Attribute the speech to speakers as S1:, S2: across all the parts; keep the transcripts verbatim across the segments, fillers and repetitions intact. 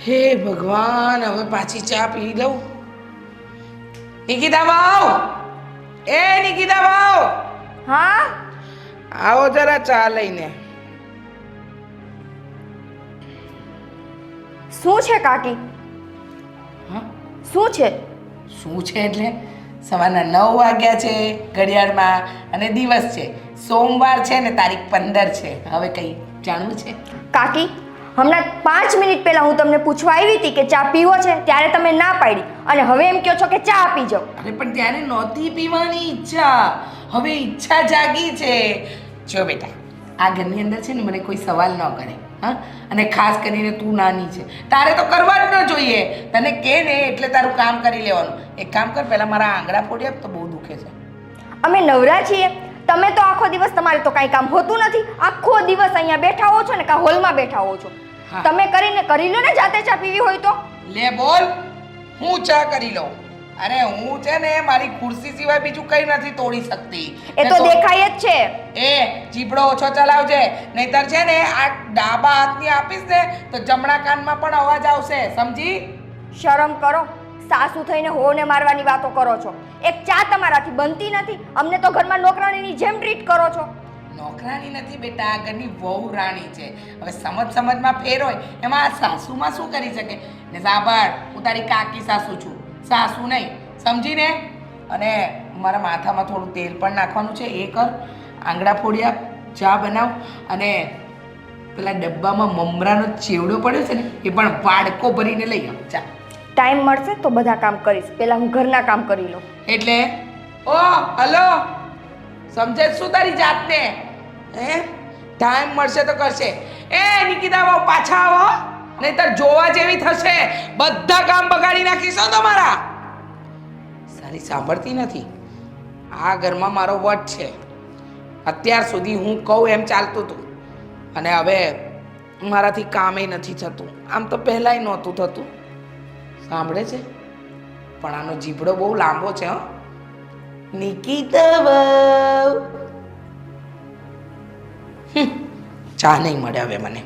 S1: હે ભગવાન, હવે પાછી ચા પી લઉં. નિકિતા વાવ, એ નિકિતા વાવ,
S2: હા
S1: આવો જરા ચા લઈને.
S2: શું છે કાકી?
S1: હા,
S2: શું છે?
S1: શું છે એટલે સવારના નવ વાગ્યા છે ઘડિયાળમાં અને દિવસ છે સોમવાર છે ને તારીખ પંદર છે. હવે કઈ જાણવું છે?
S2: કાકી, હમણાં પાંચ મિનિટ પહેલા હું તમને પૂછવા આવી હતી કે ચા પીવો છે, ત્યારે તમે ના પાડી અને હવે એમ કહો છો કે ચા પી જાઓ.
S1: અરે પણ ત્યારે નહોતી પીવાની ઈચ્છા, હવે ઈચ્છા જાગી છે. જો બેટા, આ ઘરની અંદર છે ને મને કોઈ સવાલ ન કરે, હા, અને ખાસ કરીને તું નાની છે, તારે તો કરવા જ ન જોઈએ. તને કે ને એટલે તારું કામ કરી લેવાનું. એક કામ કર, પહેલા મારા આંગળા ફોડી આપ, તો બહુ દુખે છે.
S2: અમે નવરા છીએ. તમે તો આખો દિવસ, તમારે તો કાંઈ કામ હોતું નથી. આખો દિવસ અહીંયા બેઠા હો છો ને કાં હોલમાં બેઠા હો છો.
S1: હા.
S2: તમે કરીને કરી લો ને, જાતે ચા પીવી હોય તો.
S1: લે બોલ, હું ચા કરી લઉં. અરે હું છે ને મારી ખુરશી સિવાય બીજું કઈ નથી તોડી શકતી.
S2: એ તો દેખાય જ છે.
S1: એ જીભડો ઓછો ચલાવજે, નહીતર છે ને આ ડાબા હાથની આપીશ ને તો જમણા કાનમાં પણ અવાજ આવશે, સમજી?
S2: શરમ કરો. સાસુ થઈને હોને મારવાની વાતો કરો છો. એક ચા તમારાથી બનતી નથી. અમને તો ઘરમાં નોકરાણીની જેમ ટ્રીટ કરો છો.
S1: નોકરાની નથી બેટા, આ ઘરની વહુ રાણી છે. હવે સમજ સમજમાં ફેર હોય એમાં આ સાસુમાં શું કરી શકે? ને સાંભળ, હું તારી કાકી સાસુ છું, સાસુ નહીં, સમજીને? અને મારા માથામાં થોડું તેલ પણ નાખવાનું છે, એ કર. આંગળા ફોડી આપ, ચા બનાવ, અને પેલા ડબ્બામાં મમરાનો ચેવડો પડ્યો છે ને એ પણ વાડકો ભરીને લઈ આવ. ચા
S2: ટાઈમ મળશે તો બધા કામ કરીશ. પહેલા હું ઘરના કામ કરી લઉં.
S1: એટલે ઓ હલો, સમજે શું તારી જાતને? હે, ટાઈમ મળશે તો કરશે. એ નિકિતા આવો, પાછા આવો, નહીતર જોવા જેવી થશે. બધા કામ બગાડી નાખીશો તમારા. સારી સાંભળતી નથી. આ ઘરમાં મારો વટ છે. અત્યાર સુધી હું કહું એમ ચાલતું હતું, અને હવે મારાથી કામે નથી થતું. આમ તો પહેલાંય નહોતું થતું. સાંભળે છે? પણ આનો જીભડો બહુ લાંબો છે. હો નિકિતા વહુ, ચા નહીં મળે હવે મને.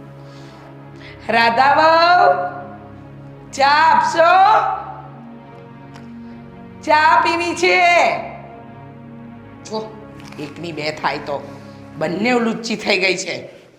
S1: રાધા વહુ, ચા આપશો? ચા પીવી છે. જો એકની બે થાય તો બંને લુચ્ચી થઈ ગઈ છે.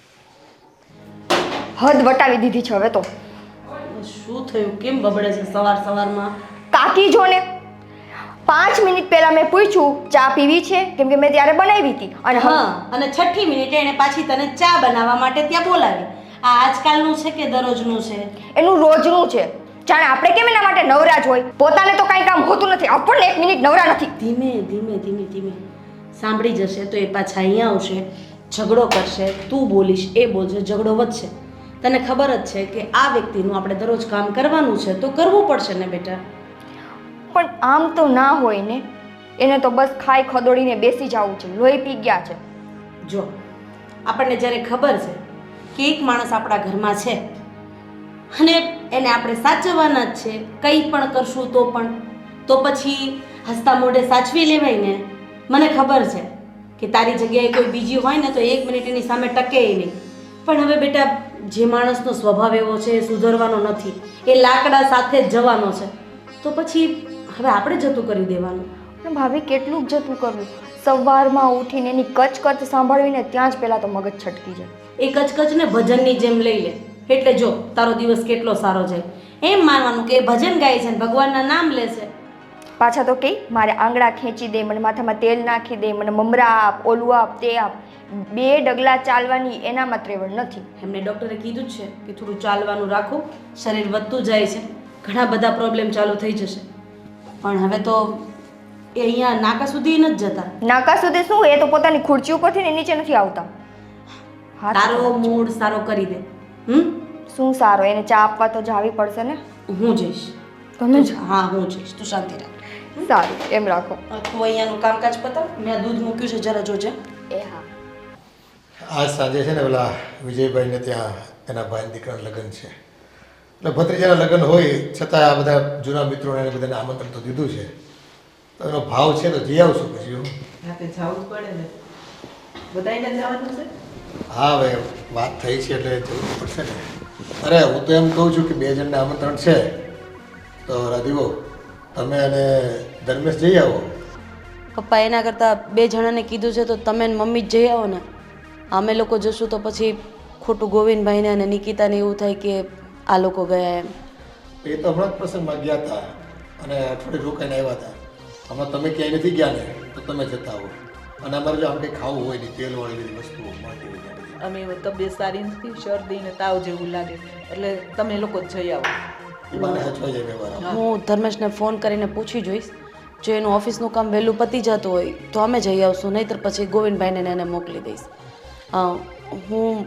S2: હદ વટાવી દીધી છે હવે તો.
S3: શું થયું? કેમ બબડે છે સવાર સવારમાં?
S2: કાકી જો ને, પાંચ મિનિટ પહેલા મેં પૂછ્યું ચા પીવી છે, કેમ કે મેં ત્યારે બનાવી હતી. અને
S3: હા, અને છઠ્ઠી મિનિટે એને પાછી તને ચા બનાવવા માટે ત્યાં બોલાવી. આ આજકાલનું છે કે દરરોજનું છે?
S2: એનું રોજનું છે. જાણે આપણે કેમ એના માટે નવરા જ હોય. પોતાને તો કાંઈ કામ હોતું નથી, આપણને એક મિનિટ નવરા નથી.
S3: ધીમે ધીમે ધીમે ધીમે સાંભળી જશે તો એ પાછા અહીંયા આવશે, ઝઘડો કરશે, તું બોલીશ, એ બોલશે, ઝઘડો વધશે. તને ખબર જ છે કે આ વ્યક્તિનું આપણે દરરોજ કામ કરવાનું છે તો કરવું પડશે ને બેટા.
S2: પણ આમ તો ના હોય ને. એને તો બસ ખાઈ ખદોડીને બેસી જવું છે. લોહી પી ગયા છે.
S3: જો આપણને જ્યારે ખબર છે કે એક માણસ આપણા ઘરમાં છે અને એને આપણે સાચવવાના જ છે, કંઈ પણ કરશું તો પણ, તો પછી હસતા મોઢે સાચવી લેવાય ને. મને ખબર છે કે તારી જગ્યાએ કોઈ બીજી હોય ને તો એક મિનિટ એની સામે ટકે નહીં. પણ હવે બેટા, જે માણસનો સ્વભાવ એવો છે એ સુધરવાનો નથી, એ લાકડા સાથે જ જવાનો છે, તો પછી હવે આપણે જતું કરી દેવાનું.
S2: પણ ભાભી, કેટલું જ જતું કરવું? સવારમાં ઉઠીને એની કચ કચ સાંભળવીને ત્યાં જ પહેલાં તો મગજ છટકી જાય.
S3: એ કચકચને ભજનની જેમ લઈ લે, એટલે જો તારો દિવસ કેટલો સારો જાય. એમ માનવાનું કે એ ભજન ગાય છે ને ભગવાનના નામ લે છે.
S2: પાછા તો કે મારે આંગળા ખેંચી દે, મને માથામાં તેલ નાખી દે, મને મમરા આપ, ઓલું આપ, તે આપ. બે ડગલા ચાલવાની એનામાં ત્રેવડ નથી.
S3: એમને ડૉક્ટરે કીધું જ છે કે થોડું ચાલવાનું રાખો, શરીર વધતું જાય છે, ઘણા બધા પ્રોબ્લેમ ચાલુ થઈ જશે. પણ હવે તો એ અહીંયા નાકા સુધી નથી જતા.
S2: નાકા સુધી શું? એ તો પોતાની ખુરચી ઉપરથી ને નીચે નથી આવતા.
S3: તારો મૂડ સારો કરી દે. હમ
S2: શું સારો? એને ચા આપવા તો જાવી પડશે ને.
S3: હું જઈશ.
S2: તમે જ?
S3: હા, હું જઈશ, તું શાંતિ રાખ.
S2: સારું, એમ રાખો.
S3: તું અહીંયાનું કામકાજ પતાવ, મેં દૂધ મૂક્યું છે, જરા જોજે.
S2: એ હા.
S4: આજ સાંજે છે ને પેલા વિજયભાઈને ત્યાં એના ભાઈ દીકરાના લગ્ન છે. એટલે ભત્રીજાના લગ્ન હોય છતાં આ બધા જૂના મિત્રોને એને બધાને આમંત્રણ તો દીધું છે. તો એનો ભાવ છે તો જઈ આવશું પછી હું.
S5: રાતે જવું પડે ને, બધાને જવાનું છે.
S4: હા હવે વાત થઈ છે એટલે જવું પડશે ને. અરે હું તો એમ કહું છું કે બે જણને આમંત્રણ છે તો રાધીવો તમે અને ધર્મેશ જઈ આવો.
S3: પપ્પા એના કરતાં બે જણાને કીધું છે તો તમે ને મમ્મી જ જઈ આવો ને. અમે લોકો જશું તો પછી ખોટું ગોવિંદભાઈને અને નિકિતાને એવું થાય કે આ લોકો ગયા એમ.
S4: એ તો હમણાં જ પ્રસંગમાં ગયા હતા અને અઠવાડિયે રોકાઈને આવ્યા હતા. હમણાં તમે ક્યાંય નથી ગયા ને તો તમે જતા આવો. અને અમારે જો આમ કંઈ ખાવું હોય ને તેલવાળી બધી વસ્તુઓ મળતી હોય ત્યાં બધી.
S5: અમે તબિયત સારી નથી, શરદી ને તાવ જેવું લાગે એટલે તમે લોકો જ જઈ આવો.
S4: એ બાને હચવાઈ જાય વ્યવહાર.
S3: હું ધર્મેશને ફોન કરીને પૂછી જોઈશ. જો એનું ઓફિસનું કામ વહેલું પતી જતું હોય તો અમે જઈ આવશું, નહીંતર પછી ગોવિંદભાઈને એને મોકલી દઈશ. અ, હું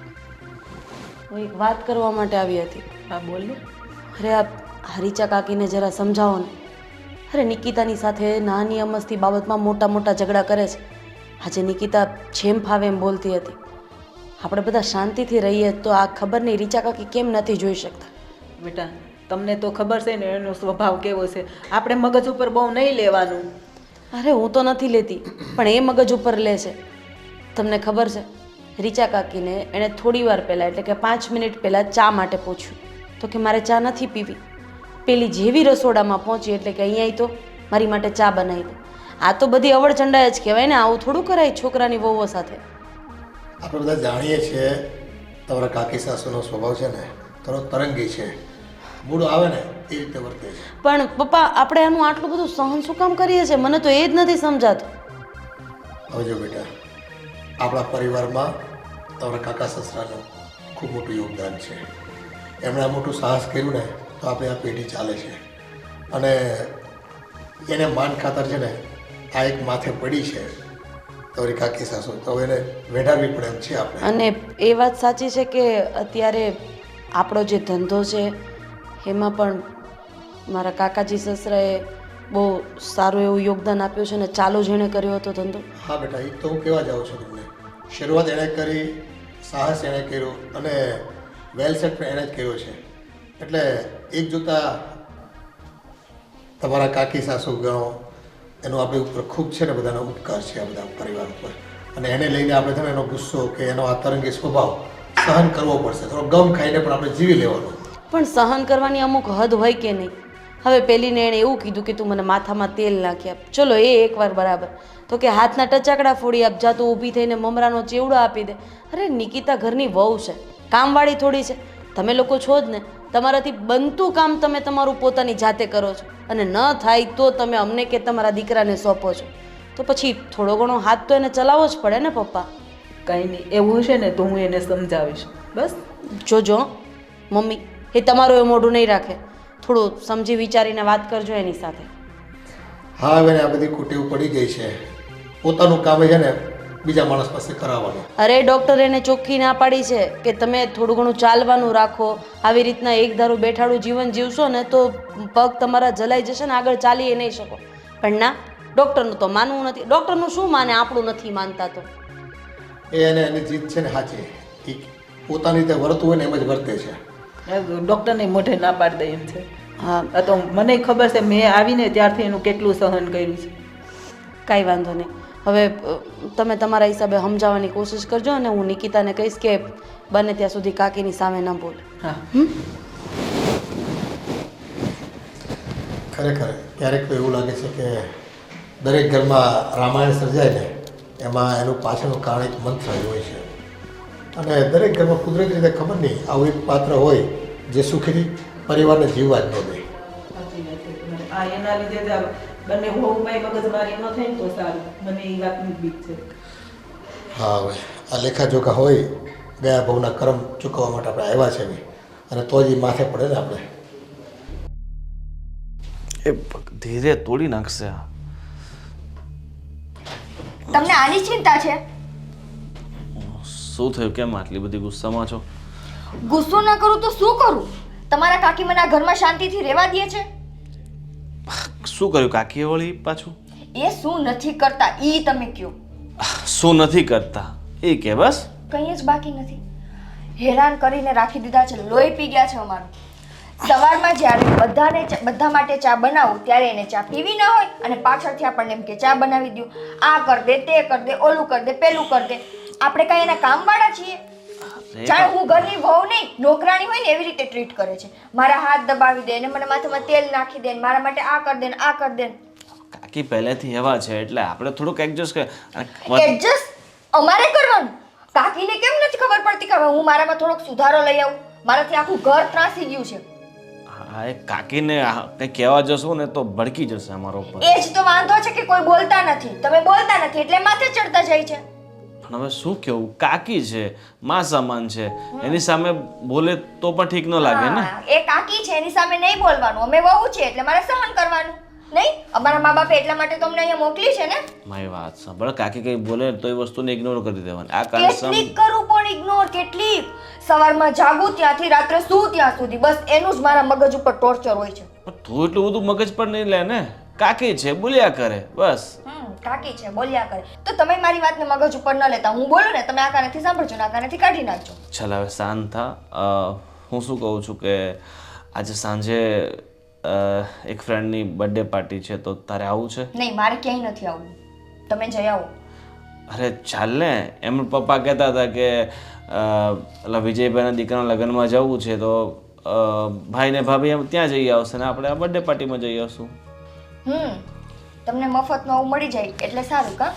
S3: હું એક વાત કરવા માટે આવી હતી.
S5: હા બોલ ને.
S3: અરે આ હરીચા કાકીને જરા સમજાવો ને. અરે નિકિતાની સાથે નાની અમસ્તી બાબતમાં મોટા મોટા ઝઘડા કરે છે. આજે નિકિતા જેમ ફાવે એમ બોલતી હતી. આપણે બધા શાંતિથી રહીએ તો આ ખબર નહીં રીચા કાકી કેમ નથી જોઈ શકતા.
S5: બેટા તમને તો ખબર છે ને એનો સ્વભાવ કેવો છે. આપણે મગજ ઉપર બહુ નહીં લેવાનું.
S3: અરે હું તો નથી લેતી પણ એ મગજ ઉપર લે છે. તમને ખબર છે રીચા કાકીને એણે થોડી વાર પહેલાં એટલે કે પાંચ મિનિટ પહેલાં ચા માટે પૂછ્યું તો કે મારે ચા નથી પીવી. પેલી જેવી રસોડામાં પહોંચી એટલે કે અહીંયા તો મારી માટે ચા બનાવી દે. આ તો બધી અવળચંડા જ કહેવાય ને. આવું થોડું કરાય છોકરાની વહુઓ સાથે.
S4: આપણે બધા જાણીએ છીએ તમારા કાકી સાસુનો સ્વભાવ છે ને થોડો તરંગી છે. મૂડ આવે ને એ રીતે વર્તે છે.
S3: પણ પપ્પા આપણે આનું આટલું બધું સહન શું કામ કરીએ છીએ? મને તો એ જ નથી સમજાતું.
S4: હવે જો બેટા આપણા પરિવારમાં તમારા કાકા સસરાનું ખૂબ મોટું યોગદાન છે. એમણે આ મોટું સાહસ કર્યું ને તો આપણે આ પેઢી ચાલે છે. અને એને માન ખાતર છે ને આ એક માથે પડી છે તમારી કાકી સાસુ, તો હવે એને વેઢાવવી પડે એમ છે આપણે.
S3: અને એ વાત સાચી છે કે અત્યારે આપણો જે ધંધો છે એમાં પણ મારા કાકાજી સસરાએ બહુ સારું એવું યોગદાન આપ્યું છે ને ચાલુ જેણે કર્યો હતો ધંધો.
S4: હા બેટા એ તો હું કહેવા જાઉં છું તમને. શરૂઆત એણે કરી, સાહસ એણે કર્યું અને વેલ સેટ પણ એણે જ કર્યો છે. એટલે એક જોતા તમારા કાકી સાસુ ગણો એનો આપણી ઉપર ખૂબ છે ને બધાનો ઉપકાર છે આ બધા પરિવાર ઉપર. અને એને લઈને આપણે છે ને એનો ગુસ્સો કે એનો આ તરંગી સ્વભાવ સહન કરવો પડશે. થોડો ગમ ખાઈને પણ આપણે જીવી લેવાનું.
S3: પણ સહન કરવાની અમુક હદ હોય કે નહીં? હવે પેલીને એણે એવું કીધું કે તું મને માથામાં તેલ નાખી આપ. ચલો એ એકવાર બરાબર, તો કે હાથના ટચાકડા ફોડી આપ, જા તું ઊભી થઈને મમરાનો ચેવડો આપી દે. અરે નિકિતા ઘરની વહુ છે, કામવાળી થોડી છે. તમે લોકો છો જ ને, તમારાથી બનતું કામ તમે તમારું પોતાની જાતે કરો છો અને ન થાય તો તમે અમને કે તમારા દીકરાને સોંપો છો. તો પછી થોડો ઘણો હાથ તો એને ચલાવવો જ પડે ને પપ્પા.
S5: કંઈ નહીં, એવું હશે ને તો હું એને સમજાવીશ. બસ
S3: જોજો મમ્મી, એ તમારું એ મોઢું નહીં રાખે. થોડું સમજી વિચારીને વાત કરજો એની સાથે.
S4: હા હવે આ બધી કુટેવ પડી ગઈ છે. પોતાનું કામ છે ને બીજા માણસ પાસે કરાવવાનું.
S3: અરે ડૉક્ટર એને ચોખ્ખી ના પાડી છે કે તમે થોડું ઘણું ચાલવાનું રાખો. આવી રીતના એક ધારું બેઠાડું જીવન જીવશો ને તો પગ તમારા જલાઈ જશે ને આગળ ચાલી નહીં શકો. પણ ના, ડૉક્ટરનું તો માનવું નથી. ડૉક્ટરનું શું માને, આપણું નથી માનતા તો.
S4: એ એને એની જીત છે ને સાચી. એ પોતાની રીતે વર્તવું હોય ને એમ જ વર્તે છે.
S5: ડૉક્ટરને મોઢે ના પાડી દે એમ છે.
S3: હા,
S5: આ તો મને ખબર છે, મેં આવીને ત્યારથી એનું કેટલું સહન કર્યું છે.
S3: કાંઈ વાંધો નહીં. હવે અ, તમે તમારા હિસાબે સમજાવવાની કોશિશ કરજો અને હું નિકિતાને કહીશ કે બને ત્યાં સુધી કાકીની સામે ન બોલે.
S5: હા
S4: ખરેખર ક્યારેક તો એવું લાગે છે કે દરેક ઘરમાં રામાયણ સર્જાય ને એમાં એનું પાછળનું કારણ એક મંત્ર જ હોય છે. અને દરેક ઘરમાં કુદરતી રીતે ખબર નહીં આવું એક પાત્ર હોય જે સુખી પરિવારને જીવવા જ ન દે.
S5: સાચી વાત છે તમારી. આ એના લીધે જ આ બંને વહુભાઈ મગજમારી ન થાય ને તો સારું. મને એ વાતની બીક છે.
S4: હા હવે આ લેખાજોખા હોય ગયા ભવના કર્મ ચૂકવવા માટે આપણે આવ્યા છે બી. અને તો જ એ માથે પડે ને આપણે.
S6: એ ધીરે તોડી નાખશે આ.
S2: તમને આની ચિંતા છે?
S6: શું થયું? કેમ આટલી બધી ગુસ્સામાં છો?
S2: ગુસ્સો ના કરું તો શું કરું? તમારા કાકી મને આ ઘરમાં શાંતિથી રહેવા દે છે?
S6: શું કર્યું કાકીએ વળી પાછું?
S2: એ શું નથી કરતા ઈ તમે કયો.
S6: શું નથી કરતા એ કે બસ.
S2: કંઈ જ બાકી નથી. હેરાન કરીને રાખી દીધા છે, લોહી પી ગયા છે અમારું. સવારમાં જ્યારે બધાને ચા- બધા માટે ચા બનાવું ત્યારે એને ચા પીવી ના હોય અને પાછળથી આપણને એમ કે ચા બનાવી દો, આ કર દે, તે કર દે, ઓલું કર દે, પેલું કર દે. આપણે કાંઈ એના કામવાળા છીએ? જાણે હું ઘરની વહુ નહીં નોકરાણી હોય ને એવી રીતે ટ્રીટ કરે છે. મારા હાથ દબાવી દે ને મને માથામાં તેલ નાખી દે ને મારા માટે આ કરી દે ને આ કરી દે ને.
S6: કાકી પહેલેથી એવા છે એટલે આપણે થોડુંક એડજસ્ટ કર
S2: એડજસ્ટ અમારે કરવાનું. કાકીને કેમ નથી ખબર પડતી કે હવે હું મારામાં થોડોક સુધારો લઈ આવું? મારાથી આખું ઘર ત્રાસી ગયું છે.
S6: હા એ કાકીને આ કંઈ કહેવા જશો ને તો ભડકી જશે અમારા ઉપર.
S2: એ જ તો વાંધો છે કે કોઈ બોલતા નથી. તમે બોલતા નથી એટલે માથે ચડતા જાય છે.
S6: પણ હવે શું કેવું, કાકી છે, માં સમાન છે, એની સામે બોલે તો પણ ઠીક ન લાગે ને.
S2: હા, એ કાકી છે એની સામે નહીં બોલવાનું. અમે વહુ છે એટલે મારે સહન કરવાનું. નહીં અમારા મા બાપે એટલા માટે તમને અહીંયા મોકલી છે ને.
S6: મારી વાત સાંભળ, કાકી કઈ બોલે તો એ વસ્તુને ઇગ્નોર કરી દેવાની. આ કારણે
S2: કેટલીક કરું પણ ઇગ્નોર કેટલીક. સવારમાં જાગું ત્યાંથી રાત્રે સૂ ત્યાં સુધી બસ એનું જ મારા મગજ ઉપર ટોર્ચર હોય છે.
S6: તું એટલું બધું મગજ પર નહીં લે ને. કાકી છે બોલ્યા કરે બસ.
S2: હમ કાકી છે બોલ્યા કરે તો તમે મારી વાતને મગજ ઉપર ન લેતા. હું બોલું ને તમે આ કાનેથી સાંભળજો ને આ કાનેથી કાઢી નાખજો.
S6: ચાલ હવે શાંત થા. અ, હું શું કહું છું કે આજે સાંજે અ, એક ફ્રેન્ડની બર્થડે પાર્ટી છે તો તારે આવું છે?
S2: નહીં મારે ક્યાંય નથી આવવું. તમે જઈ આવો.
S6: અરે ચાલ ને, એમ પપ્પા કહેતા હતા કે અ, ઓલા વિજયભાઈના દીકરાના લગ્નમાં જવું છે તો અ, ભાઈ ને ભાભી એમ ત્યાં જઈ આવશે ને આપણે આ બર્થડે પાર્ટીમાં જઈ આવશું.
S2: હમ તમને મફતમાં આવું મળી જાય એટલે સારું કા?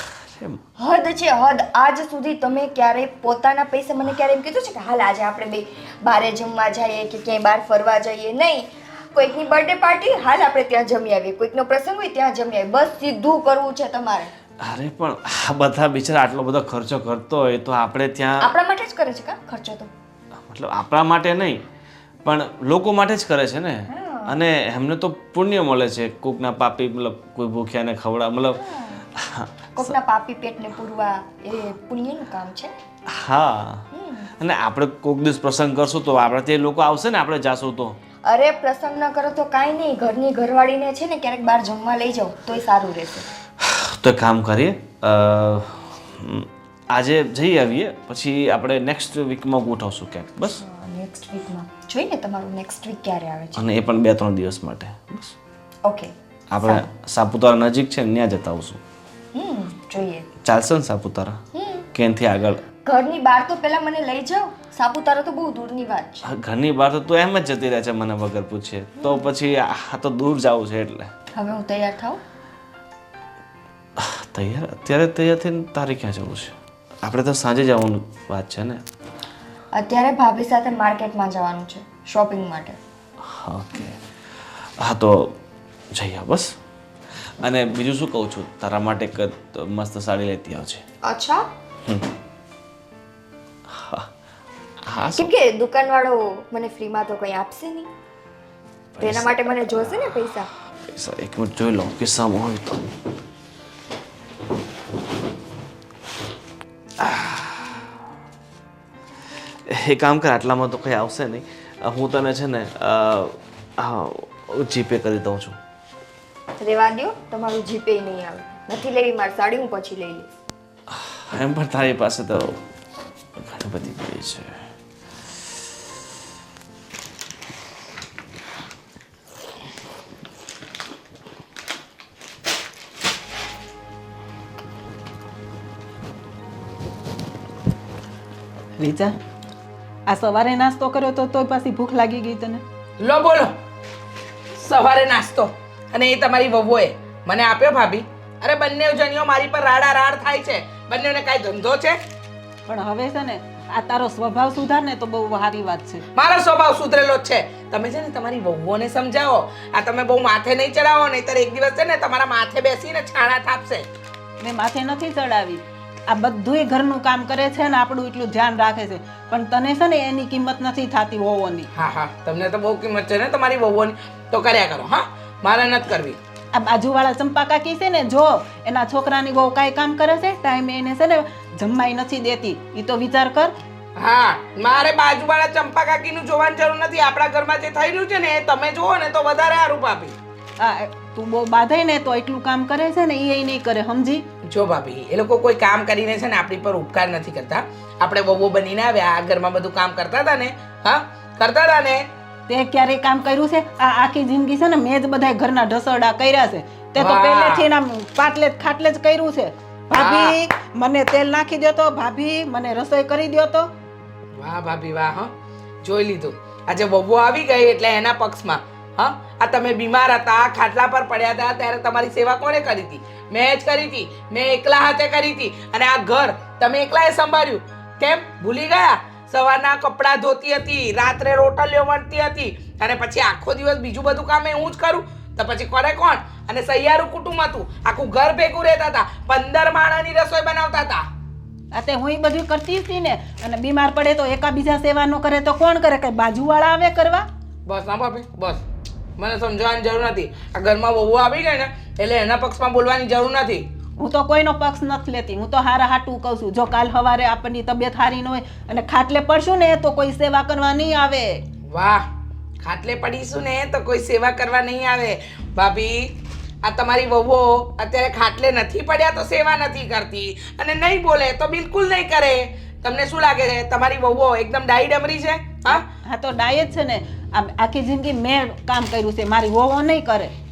S2: હદ છે હદ. આજ સુધી તમે ક્યારે પોતાના પૈસે મને ક્યારે એમ કીધું છે કે હાલ આજે આપણે બે બારે જમવા જઈએ કે ક્યાંય બહાર ફરવા જઈએ? નહીં. કોઈકની બર્થડે પાર્ટી હાલ આપણે ત્યાં જમી આવીએ, કોઈકનો પ્રસંગ હોય ત્યાં જમી આવીએ. બસ સીધું કરવું છે તમારે.
S6: અરે પણ આ બધા બિચારા આટલો બધો ખર્ચો કરતો હોય તો આપણે ત્યાં
S2: આપણા માટે જ કરે છે કા ખર્ચો તો?
S6: મતલબ આપણા માટે નહીં પણ લોકો માટે જ કરે છે ને. અને એમને તો પુણ્ય મળે છે. કોકના પાપી મતલબ કોઈ ભૂખ્યાને ખવડા મતલબ
S2: કોકના પાપી પેટને પૂરવા એ પુણ્યનું કામ છે.
S6: હા. અને આપણે કોક દિવસ પ્રસંગ કરશું તો આપણે તે લોકો આવશે ને, આપણે જાશું તો.
S2: અરે પ્રસંગ ન કરો તો કાંઈ નહીં. ઘરની ઘરવાળીને છે ને ક્યારેક બહાર જમવા લઈ જાઓ તોય સારું રહેશે.
S6: તો એક કામ કરીએ, અ, આજે જઈ આવીએ પછી આપણે નેક્સ્ટ વીકમાં ગોઠવશું ક્યાંક. બસ.
S2: નેક્સ્ટ વીકમાં જોઈને તમારું નેક્સ્ટ વીક ક્યારે આવે છે?
S6: અને એ પણ બે ત્રણ દિવસ માટે. બસ.
S2: ઓકે
S6: આપણે સાપુતારા નજીક છે ને ત્યાં જતા આવશું.
S2: હમ જોઈએ.
S6: ચાલશે ને સાપુતારા? કે એનાથી આગળ?
S2: ઘરની બહાર તો પહેલા મને લઈ જાઓ. સાપુતારા તો બહુ દૂરની વાત છે.
S6: હા, ઘરની બહાર તો તું એમ જ જતી રહે છે મને વગર પૂછે. તો પછી આ તો દૂર જવું છે એટલે.
S2: હવે હું તૈયાર થાઉં?
S6: તૈયાર અત્યારે તૈયાર થઈને તારે ક્યાં જવું છે? આપણે તો સાંજે જવાનું વાત છે ને.
S2: અત્યારે ભાભી સાથે માર્કેટમાં જવાનું છે શોપિંગ માટે.
S6: ઓકે. હા તો જઈએ બસ. અને બીજું શું કહું છું, તારા માટે એક મસ્ત સાડી લેતી આવજે.
S2: અચ્છા.
S6: હા.
S2: કેમ કે દુકાનવાળો મને ફ્રીમાં તો કંઈ આપશે નહીં. તો એના માટે મને જોશે ને પૈસા.
S6: પૈસા એક મિનિટ જોઈ લઉં કિસ્સામાં હોય તો. એ કામ કર, આટલામાં તો કંઈ આવશે નહીં. હું તને છે ને જીપે કરી દઉં છું.
S2: રેવા દો, તમારું જીપે નહીં આવે. નથી લેવી મારી સાડી, હું પછી લઈ લઈશ.
S6: એમ પણ તારી પાસે તો ઘણી બધી પડી છે.
S5: રીચા, આ સવારે નાસ્તો કર્યો તો તોય પાછી ભૂખ લાગી ગઈ તને?
S1: લો બોલો, સવારે નાસ્તો અને એ તમારી વહુએ મને આપ્યો ભાભી. અરે બંને જણીઓ મારી પર રાડા રાડ થાય છે. બંનેને કાંઈ ધંધો છે?
S5: પણ હવે છે ને આ તારો સ્વભાવ સુધાર ને તો બહુ સારી વાત છે.
S1: મારો સ્વભાવ સુધરેલો જ છે. તમે છે ને તમારી વહુઓને સમજાવો. આ તમે બહુ માથે નહીં ચડાવો, નહીંતર એક દિવસ છે ને તમારા માથે બેસીને છાણા થાપશે.
S5: મેં માથે નથી ચડાવી. આ બધુંય ઘરનું કામ કરે છે ને આપણું એટલું ધ્યાન રાખે છે, પણ તને છે ને એની કિંમત નથી થતી વહુઓની.
S1: હા હા, તમને તો બહુ કિંમત છે ને તમારી વહુઓની, તો કર્યા કરો. હા, મારે નથી કરવી.
S5: આ બાજુવાળા ચંપા કાકી છે ને, જો એના છોકરાની બહુ કાંઈ કામ કરે છે ટાઈમે એને છે ને જમવાય નથી દેતી. એ તો વિચાર કર.
S1: હા, મારે બાજુવાળા ચંપા કાકીનું જોવાની જરૂર નથી. આપણા ઘરમાં જે થઈ રહ્યું છે ને એ તમે જુઓ ને તો વધારે સારું ભાભી.
S5: આ તું બહુ બાંધાય ને તો એટલું કામ કરે છે ને એ નહીં કરે, સમજી?
S1: જો ભાભી, એ લોકો કોઈ કામ કરીને છે ને આપણી પર ઉપકાર નથી કરતા. આપણે વહુઓ બનીને આવ્યા, આ ઘરમાં બધું કામ કરતા હતા ને. હા, કરતા હતા ને.
S5: તે ક્યારેય કામ કર્યું છે? આ આખી જિંદગી છે ને મેં જ બધા ઘરના ઢસરડા કર્યા છે. તે તો
S1: વાહ.
S5: પહેલેથી આમ પાટલે જ ખાટલે જ કર્યું છે. ભાભી મને તેલ નાખી દો તો, ભાભી મને રસોઈ કરી દો તો.
S1: વાહ ભાભી વાહ હા જોઈ લીધું આજે વહુ આવી ગઈ એટલે એના પક્ષમાં હા આ તમે બીમાર હતા ખાટલા પર પડ્યા હતા ત્યારે તમારી સેવા કોણે કરી હતી મેં જ કરી હતી મેં એકલા હાથે કરી હતી અને આ ઘર તમે એકલાએ સંભાળ્યું કેમ ભૂલી ગયા સવારના કપડાં ધોતી હતી રાત્રે રોટલીઓ વણતી હતી અને પછી આખો દિવસ બીજું બધું કામ એ હું જ કરું તો પછી કરે કોણ અને સહિયારું કુટુંબ હતું આખું ઘર ભેગું રહેતા હતા પંદર માણસની રસોઈ બનાવતા હતા
S5: આ તે હું બધું કરતી હતી ને અને બીમાર પડે તો એકાબીજા સેવા ન કરે તો કોણ કરે કઈ બાજુવાળા આવે કરવા
S1: બસ ના ભાભી બસ મને સમજવાની જરૂર નથી આ ઘરમાં વહુ આવી ગઈ ને એટલે એના પક્ષમાં બોલવાની જરૂર નથી
S5: હું તો કોઈનો પક્ષ નથી લેતી હું તો હારા હાટું કહું છું જો કાલ સવારે આપણની તબિયત સારી ન હોય અને ખાટલે પડશું ને તો કોઈ સેવા કરવા નહીં આવે
S1: વાહ ખાટલે પડીશું ને તો કોઈ સેવા કરવા નહીં આવે ભાભી આ તમારી વહુઓ અત્યારે ખાટલે નથી પડ્યા તો સેવા નથી કરતી અને નહીં બોલે તો બિલકુલ નહીં કરે તમને શું લાગે છે તમારી વહુઓ એકદમ ડાઈ ડમરી છે હા
S5: હા તો ડાય જ છે ને આમ આખી જિંદગી મેં કામ કર્યું છે મારી વહુઓ નહીં કરે